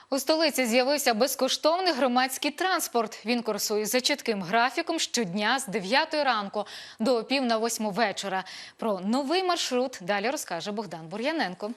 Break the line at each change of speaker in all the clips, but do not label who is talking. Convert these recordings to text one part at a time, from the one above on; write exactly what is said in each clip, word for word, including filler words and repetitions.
У столиці з'явився безкоштовний громадський транспорт. Він курсує за чітким графіком щодня з дев'ятої ранку до пів на восьму вечора. Про новий маршрут далі розкаже Богдан Бур'яненко.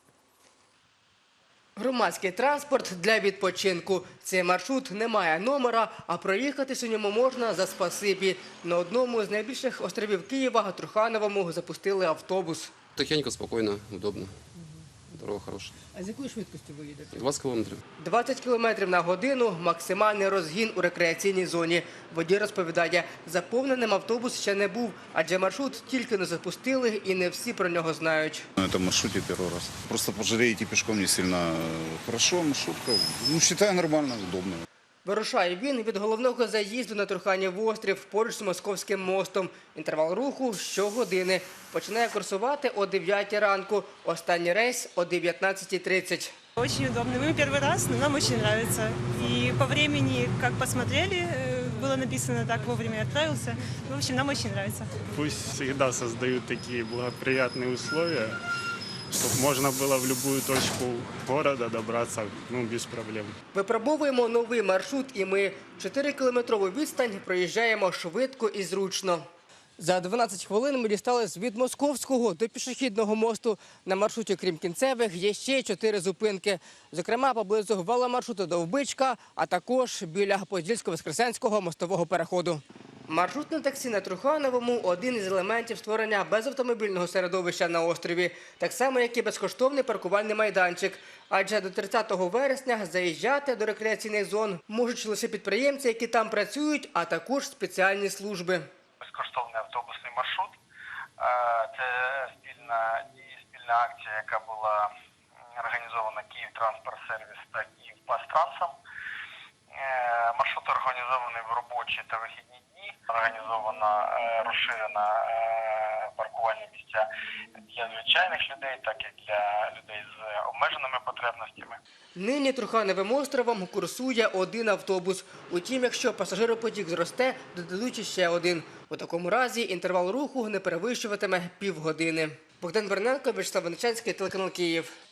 Громадський транспорт для відпочинку. Цей маршрут не має номера, а проїхатись у ньому можна за спасибі. На одному з найбільших островів Києва, Трухановому, запустили автобус.
Тихенько, спокійно, удобно. Дорога хороша.
А з якою швидкістю ви їдете?
двадцять кілометрів.
двадцять кілометрів на годину – максимальний розгін у рекреаційній зоні. Водій розповідає, заповненим автобус ще не був, адже маршрут тільки не запустили і не всі про нього знають.
На этом маршруте первый раз. Просто по жаре идти пешком не сильно хорошо, маршрутка, ну, считаю, нормально, удобно.
Вирушає він від головного заїзду на Труханів острів поруч з Московським мостом. Інтервал руху – щогодини. Починає курсувати о дев'ятій ранку. Останній рейс – о дев'ятнадцятій тридцять.
Очень удобно. Мы первый раз, но нам очень нравится. И по времени, как посмотрели, было написано так, вовремя отправился. В общем, нам очень нравится.
Пусть всегда создают такие благоприятные условия, чтобы можно было в любую точку города добраться, ну, без проблем.
Випробовуємо новий маршрут і ми чотирикілометрову відстань проїжджаємо швидко і зручно. За дванадцять хвилин ми дістались від Московського до пішохідного мосту. На маршруті, крім кінцевих, є ще чотири зупинки. Зокрема, поблизу веломаршруту Довбичка, а також біля Подільсько-Воскресенського мостового переходу. Маршрутне таксі на Трухановому – один із елементів створення безавтомобільного середовища на острові. Так само, як і безкоштовний паркувальний майданчик. Адже до тридцятого вересня заїжджати до рекреаційних зон можуть лише підприємці, які там працюють, а також спеціальні служби.
Безкоштовний автобусний маршрут. Це спільна, спільна акція, яка була організована «Київтранспорт-сервіс» та «Київпастрансом». Маршрут організований в робочі та вихідні дні. Організована розширена паркувальні місця для звичайних людей, так і для людей з обмеженими потребностями.
Нині Трухановим островом курсує один автобус. Утім, якщо пасажиропотік зросте, додадуть ще один. У такому разі інтервал руху не перевищуватиме півгодини. Богдан Бур'яненко, Вячеслав Винниченський, телеканал Київ.